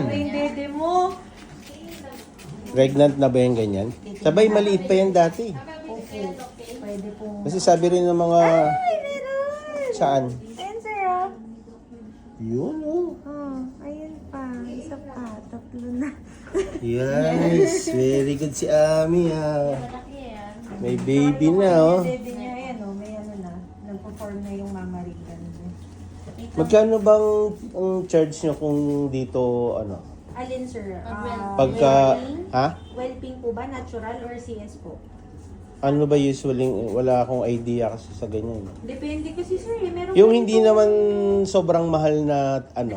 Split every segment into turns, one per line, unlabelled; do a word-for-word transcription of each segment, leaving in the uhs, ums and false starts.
Grabe yung dede mo.
Pregnant na ba yung ganyan? Sabay maliit pa yan dati.
Okay. Pwede po.
Kasi sabi rin ng mga...
Ay, meron!
Saan?
Ayan, sir, oh.
Yun, oh.
Oh, ayun pa. Isa pa. Tatlo na.
Yes, very good si Ami, ha. May baby na, oh.
Yung dede niya, ayan, oh. May ano na. Nagpo-form na yung mamarikan.
Magkano bang ang charge nyo kung dito, ano?
Alin, sir? Ah,
Pagka,
wellping?
ha?
Wellping po ba? Natural or C S po?
Ano ba usually, wala akong idea kasi sa ganyan.
Depende kasi, sir. Eh. Meron
Yung
po
hindi
ito.
naman sobrang mahal na, ano?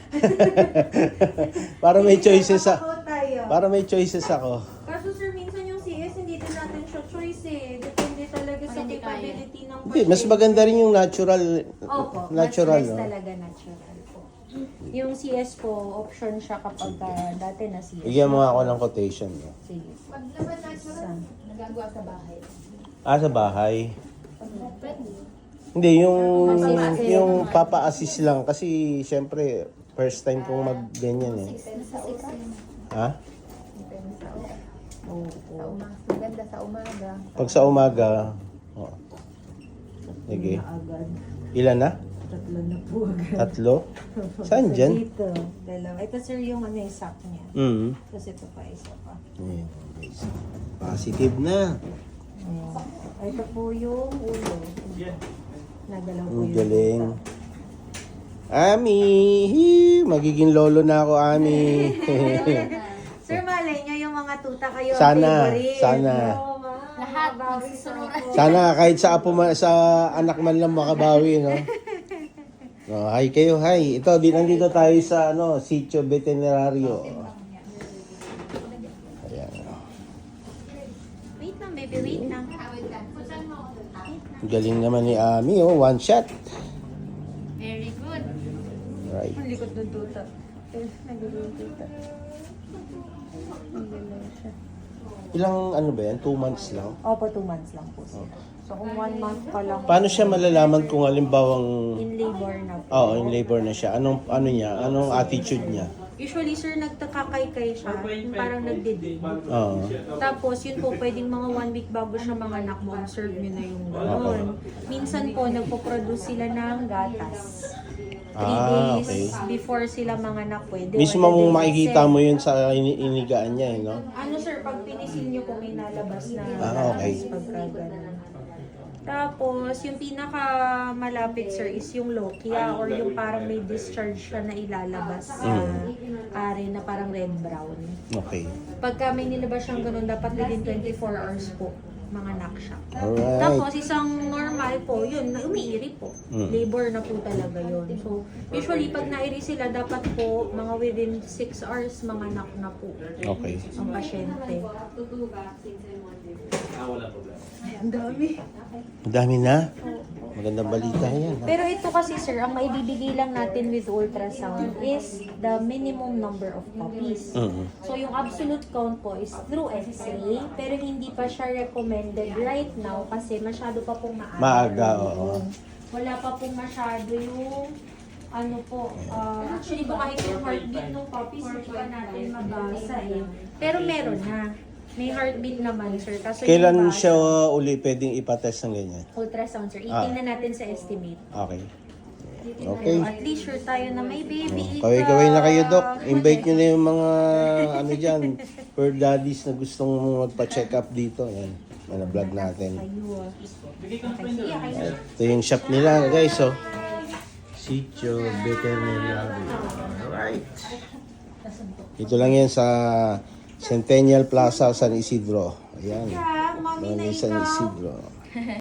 Para may choices sa...
Ako tayo.
Para may choices ako.
Kaso, sir, minsan yung C S, hindi din natin siya choice eh. Depende talaga sa
hindi kaya.
capability ng
Hindi, mas maganda rin yung natural.
Opo,
Natural,
mas
no?
talaga natural po. Yung C S po, option siya kapag uh, dati na C S.
Bigyan mo nga ako ng quotation. No?
Sige.
Pag naman natural, nagagawa sa bahay.
Ah, sa bahay.
Pwede.
Hindi, yung yung papa-assist lang. Kasi, syempre, first time kong mag-ganyan eh.
Sa umaga.
Ha?
Depende sa umaga.
Oo.
Sa umaga. Maganda sa umaga.
Pag sa umaga, oh. Sige.
Na agad.
Ilan na?
Tatlo na po agad.
Tatlo? Saan dyan?
Dito. Dalawa. Ito, sir, yung ano yung sack niya.
Mm.
Tapos ito pa, isa pa.
Ayan, guys. Positive na.
Ayan. Ito po yung ulo. Nagalaw po
Ang
yung
galing.
tuta.
Ami! Hee! Magiging lolo na ako, Ami.
Sir, malay niyo yung mga tuta kayo ang
Sana,
favorite.
sana.
Oo, ma'am.
Lahat,
Mabawi
magsusunuran.
po.
Sana kahit sa apo ma- sa anak man lang makabawi, no? No, hi kayo, hi. Ito, di nandito tayo sa ano, Sitio Veterinario. Ayan.
Wait lang, baby, wait lang.
Ang galing naman ni Ami, oh, one shot.
Very good.
Right.
Ang likod ng tuta. Eh, nagulo yung tuta. Ang galaw siya.
Ilang ano ba yan? Two months lang?
Opo, two months lang po sila. So, kung one month pa lang,
Paano siya malalaman kung halimbawang
in labor na po.
Oo, in labor na siya. Anong ano niya? Anong attitude niya?
Usually, sir, nagtakakaykay siya. Yung parang nagdidig.
Oo.
Tapos, yun po, pwedeng mga one week bago siya mga anak mo, observe nyo na yung gano'n. Minsan po, nagpo-produce sila ng gatas. Three
Ah,
days
okay.
before sila mga anak pwede.
Mismo
Or the
mong
day
makikita
itself.
mo yun sa ini- inigaan niya, eh, no?
Ano sir, pag pinisil nyo po may nalabas na
Ah, okay.
gatas pagka ganun. Tapos, yung pinaka malapit sir is yung lochia or yung parang may discharge siya na ilalabas sa are na parang red-brown.
Okay.
Pagka may nilabas siyang ganun, dapat within twenty-four hours po mga anak siya.
Alright.
Tapos, isang normal po, yun, na umiiri po.
Mm.
Labor na po talaga yun. So, usually, pag nairi sila, dapat po, mga within six hours, mga anak na po
Okay.
ang pasyente. Ang dami.
Ang dami na. Magandang balita yan. Ha?
Pero ito kasi sir, ang maibibigay lang natin with ultrasound is the minimum number of puppies.
Mhm.
So yung absolute count po is through X-ray, pero hindi pa siya recommended right now kasi masyado pa pong maaga.
Maaga, oo.
Wala pa pong masyado yung ano po, uh, actually po kahit yung heartbeat ng puppies, hindi pa natin mabasa eh. Pero meron na. May heartbeat naman sir. Kaso yung
Kailan
basa,
siya uli pwedeng ipatest ng ganyan?
ultrasound sir.
Ah.
Itingnan natin sa estimate.
Okay.
Okay.
Okay.
At least sure tayo na may baby.
Kaway-kaway na kayo, Doc. Invite nyo na yung mga, ano dyan, per daddies na gustong magpa-check up dito. Yan. Yan ang vlog natin.
Kayo. ah.
Ito yung shop nila, guys, oh. Sitio Veterinario. Alright. Ito lang yan sa Centennial Plaza, San Isidro. Ayan.
Mami na
Mami San
ikaw.
Isidro.